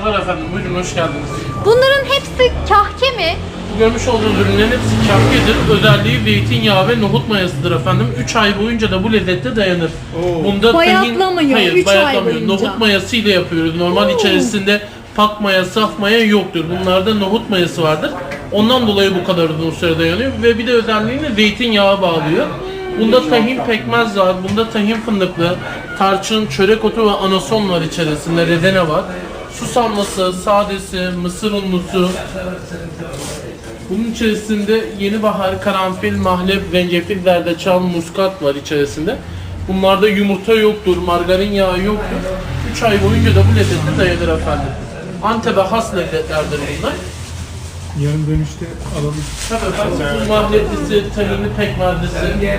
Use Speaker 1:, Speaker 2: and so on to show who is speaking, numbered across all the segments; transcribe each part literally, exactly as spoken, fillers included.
Speaker 1: Merhabalar efendim, buyurun hoş geldiniz.
Speaker 2: Bunların hepsi kahke mi?
Speaker 1: Görmüş olduğunuz ürünlerin hepsi kahkedir. Özelliği zeytinyağı ve nohut mayasıdır efendim. üç ay boyunca da bu lezzette dayanır.
Speaker 3: Oo.
Speaker 1: Bunda
Speaker 2: Bayatlamıyor,
Speaker 1: Hayır,
Speaker 2: üç ay
Speaker 1: bayatlamıyor.
Speaker 2: boyunca.
Speaker 1: Nohut mayası ile yapıyoruz. Normal
Speaker 2: Oo.
Speaker 1: içerisinde pak maya, saf maya yoktur. Bunlarda nohut mayası vardır. Ondan dolayı bu kadar uzun süre dayanıyor ve bir de özelliğini zeytinyağı bağlıyor. Bunda tahin pekmez var, bunda tahin fındıklı, tarçın, çörek otu ve anason var içerisinde, redene var. Susamlısı, sadesi, mısır unlusu. Bunun içerisinde yeni bahar, karanfil, mahlep, zencefil, zerdeçal, muskat var içerisinde. Bunlarda yumurta yoktur, margarin yağı yoktur. üç ay boyunca da bu lezzette dayanır efendim. Antep'e has lezzetlerdir bunlar.
Speaker 3: Yarın dönüşte alalım.
Speaker 1: Tabii efendim, bu mahleplisi, tahinli pekmezlisi.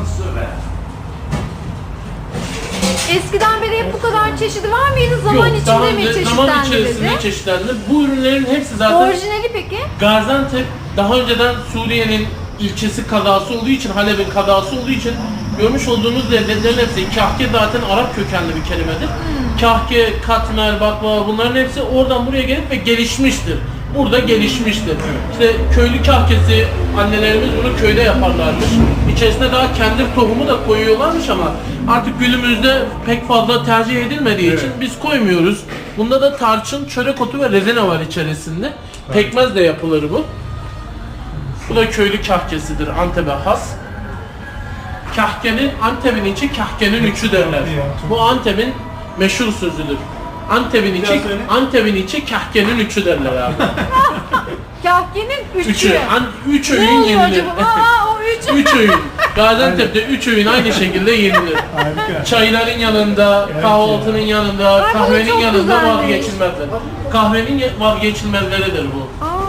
Speaker 2: Eskiden beri hep bu kadar çeşidi var mıydı? Zaman
Speaker 1: Yok,
Speaker 2: içinde
Speaker 1: daha
Speaker 2: mi
Speaker 1: önce zaman
Speaker 2: çeşitlendirildi?
Speaker 1: içerisinde çeşitlendi. Bu ürünlerin hepsi zaten
Speaker 2: Orijinali peki?
Speaker 1: Gaziantep daha önceden Suriye'nin ilçesi kazası olduğu için, Halep'in kazası olduğu için görmüş olduğunuz lezzetlerin hepsi, kahke zaten Arap kökenli bir kelimedir. Hmm. Kahke, katmer, baklava bunların hepsi oradan buraya gelip ve gelişmiştir. Burada gelişmiştir. İşte köylü kahkesi, annelerimiz bunu köyde yaparlarmış. İçerisine daha kendi tohumu da koyuyorlarmış ama artık günümüzde pek fazla tercih edilmediği evet. için biz koymuyoruz. Bunda da tarçın, çörek otu ve rezene var içerisinde. Pekmez de yapılır bu. Bu da köylü kahkesidir, Antep'e has. Kahkenin, Antep'in içi kahkenin üçü derler. Bu Antep'in meşhur sözüdür. Antep'in içi, Antep'in içi kahkenin üçü derler abi.
Speaker 2: Kahkenin üçü.
Speaker 1: Üçü. An, üç öğün
Speaker 2: Ne oluyor
Speaker 1: yenilir.
Speaker 2: acaba? Aa, o üç.
Speaker 1: Üç öğün. Gaziantep'te üç öğün aynı şekilde yenilir.
Speaker 3: Harika.
Speaker 1: Çayların yanında, kahvaltının yanında,
Speaker 2: Ay, bu
Speaker 1: kahvenin
Speaker 2: çok
Speaker 1: yanında
Speaker 2: güzelmiş.
Speaker 1: vazgeçilmezler. Kahvenin vazgeçilmezleridir bu.
Speaker 2: Aa.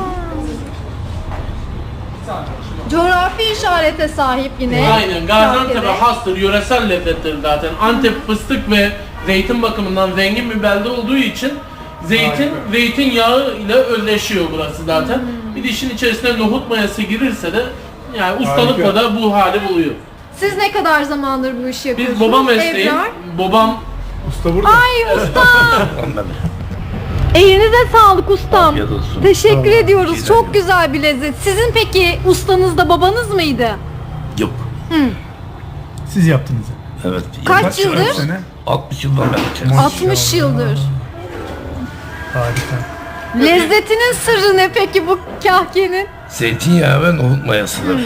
Speaker 2: Coğrafi işarete sahip yine.
Speaker 1: Aynen. Gaziantep'e
Speaker 2: kahkede.
Speaker 1: hastır, yöresel lezzettir zaten. Antep fıstık ve zeytin bakımından zengin bir belde olduğu için zeytin,
Speaker 3: Harika.
Speaker 1: zeytinyağı ile özleşiyor burası zaten. Bir de işin içerisine nohut mayası girirse de yani ustalıkla
Speaker 3: Harika.
Speaker 1: da bu hali buluyor.
Speaker 2: Siz ne kadar zamandır bu işi yapıyorsunuz?
Speaker 1: Biz baba mesleği,
Speaker 2: Ebrar?
Speaker 1: babam
Speaker 3: Usta burada.
Speaker 2: Ay ustam. Elinize sağlık ustam.
Speaker 4: Afiyet olsun.
Speaker 2: Teşekkür
Speaker 3: Tamam.
Speaker 2: ediyoruz.
Speaker 4: Rica
Speaker 2: Çok
Speaker 4: ederim.
Speaker 2: güzel bir lezzet. Sizin peki ustanız da babanız mıydı?
Speaker 4: Yok.
Speaker 3: Siz yaptınız.
Speaker 4: Evet.
Speaker 2: Kaç yıldır?
Speaker 3: Kaç sene?
Speaker 4: altmış yıldan beri içerisinde.
Speaker 2: altmış yıldır.
Speaker 3: Harika.
Speaker 2: Lezzetinin sırrı ne peki bu kahkenin?
Speaker 4: Zeytinyağı ve nohut mayasıdır.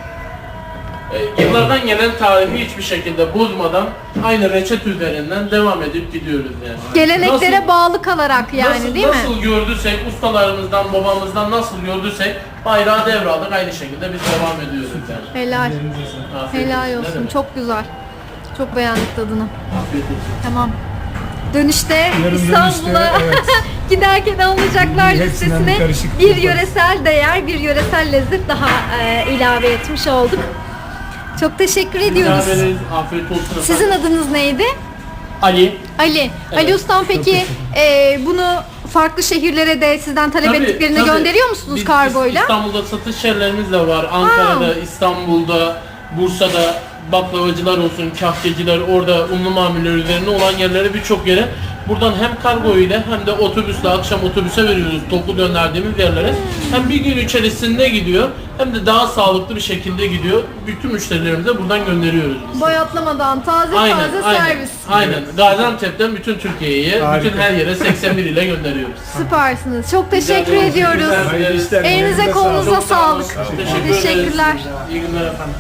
Speaker 1: e, yıllardan gelen tarihi hiçbir şekilde bozmadan aynı reçete üzerinden devam edip gidiyoruz yani.
Speaker 2: Geleneklere
Speaker 1: Nasıl-
Speaker 2: bağlı kalarak yani
Speaker 1: nasıl,
Speaker 2: değil mi?
Speaker 1: Nasıl gördüysek, ustalarımızdan, babamızdan nasıl gördüysek bayrağı devraldık, aynı şekilde biz devam ediyoruz yani.
Speaker 2: Helal.
Speaker 1: Afiyet
Speaker 2: Helal
Speaker 1: Ne
Speaker 2: olsun.
Speaker 1: demek?
Speaker 2: Çok güzel. Çok beğendik tadını.
Speaker 1: Afiyet olsun.
Speaker 2: Tamam. Dönüşte
Speaker 3: Yarın
Speaker 2: İstanbul'a
Speaker 3: dönüşte, evet.
Speaker 2: giderken alınacaklar
Speaker 3: Hepsinden
Speaker 2: listesine
Speaker 3: bir karışık
Speaker 2: bir
Speaker 3: yaparız.
Speaker 2: yöresel değer, bir yöresel lezzet daha e, ilave etmiş olduk. Çok teşekkür ediyoruz.
Speaker 1: Rica ederiz. Afiyet olsun efendim.
Speaker 2: Sizin adınız neydi?
Speaker 1: Ali.
Speaker 2: Ali. Ali Ustam peki e, bunu farklı şehirlere de sizden talep
Speaker 1: Tabii,
Speaker 2: ettiklerine
Speaker 1: tabii.
Speaker 2: gönderiyor musunuz
Speaker 1: Biz
Speaker 2: kargoyla?
Speaker 1: İstanbul'da satış yerlerimiz de var. Ankara'da, İstanbul'da, Bursa'da baklavacılar olsun, kahkeciler, orada unlu mamuller üzerine olan yerlere birçok yere buradan hem kargo ile hem de otobüsle akşam otobüse veriyoruz toplu gönderdiğimiz yerlere. Hem bir gün içerisinde gidiyor hem de daha sağlıklı bir şekilde gidiyor. Bütün müşterilerimize buradan gönderiyoruz biz.
Speaker 2: Boyatlamadan taze
Speaker 1: Aynen,
Speaker 2: taze
Speaker 1: aynen,
Speaker 2: servis.
Speaker 1: aynen. Gaziantep'ten bütün Türkiye'ye,
Speaker 3: Harika.
Speaker 1: bütün her yere seksen bir ile gönderiyoruz.
Speaker 2: Süpersiniz. Çok teşekkür
Speaker 1: ederiz.
Speaker 2: ediyoruz.
Speaker 1: Güzel.
Speaker 3: Hayırlı işler.
Speaker 2: Elinize
Speaker 3: Elinize
Speaker 2: kolunuza
Speaker 1: Çok sağ olun.
Speaker 2: sağlık.
Speaker 1: Teşekkür ederiz.
Speaker 2: Teşekkürler.
Speaker 1: İyi günler efendim.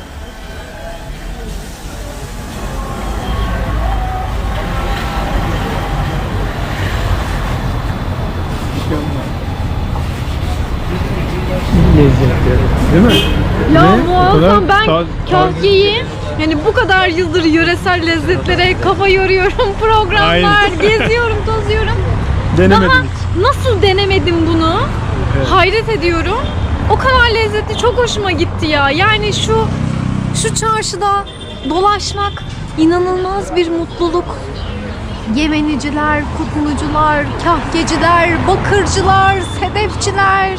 Speaker 3: Lezzetli. Değil mi?
Speaker 5: Ya
Speaker 3: Ne?
Speaker 5: bu
Speaker 3: O kadar
Speaker 5: olsam ben
Speaker 3: taz-
Speaker 5: kahkeyi yani bu kadar yıldır yöresel lezzetlere kafa yoruyorum, programlar,
Speaker 3: Aynen.
Speaker 5: geziyorum, tozuyorum.
Speaker 3: Denemedim
Speaker 5: Daha
Speaker 3: hiç.
Speaker 5: nasıl denemedim bunu?
Speaker 3: Evet.
Speaker 5: Hayret ediyorum. O kadar lezzetli, çok hoşuma gitti ya. Yani şu şu çarşıda dolaşmak inanılmaz bir mutluluk. Yemeniciler, kutlucular, kahkeciler, bakırcılar, sedefçiler.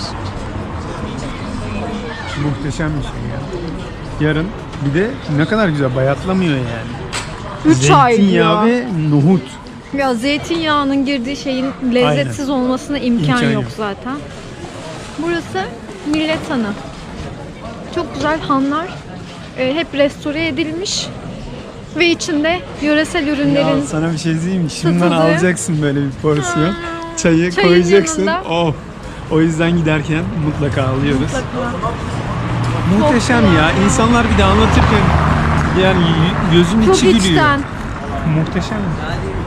Speaker 3: Muhteşem bir şey ya. Yarın bir de ne kadar güzel bayatlamıyor yani.
Speaker 5: Üç ay
Speaker 3: Zeytinyağı
Speaker 5: diyor.
Speaker 3: ve nohut.
Speaker 5: Ya zeytinyağının girdiği şeyin lezzetsiz olmasına imkan,
Speaker 3: İmkan
Speaker 5: yok
Speaker 3: yok.
Speaker 5: zaten. Burası Millet Hanı. Çok güzel hanlar. e, hep restore edilmiş. Ve içinde yöresel ürünlerin
Speaker 3: Ya sana bir şey diyeyim mi? Şimdiden
Speaker 5: satıldığı-
Speaker 3: alacaksın böyle bir porsiyon. Çayı
Speaker 5: Çayın
Speaker 3: koyacaksın.
Speaker 5: yanında.
Speaker 3: Oh. O yüzden giderken mutlaka alıyoruz.
Speaker 5: mutlaka.
Speaker 3: Muhteşem ya. İnsanlar bir de anlatırken yani y- gözün
Speaker 5: Çok
Speaker 3: içi gülüyor.
Speaker 5: içten.
Speaker 3: Muhteşem.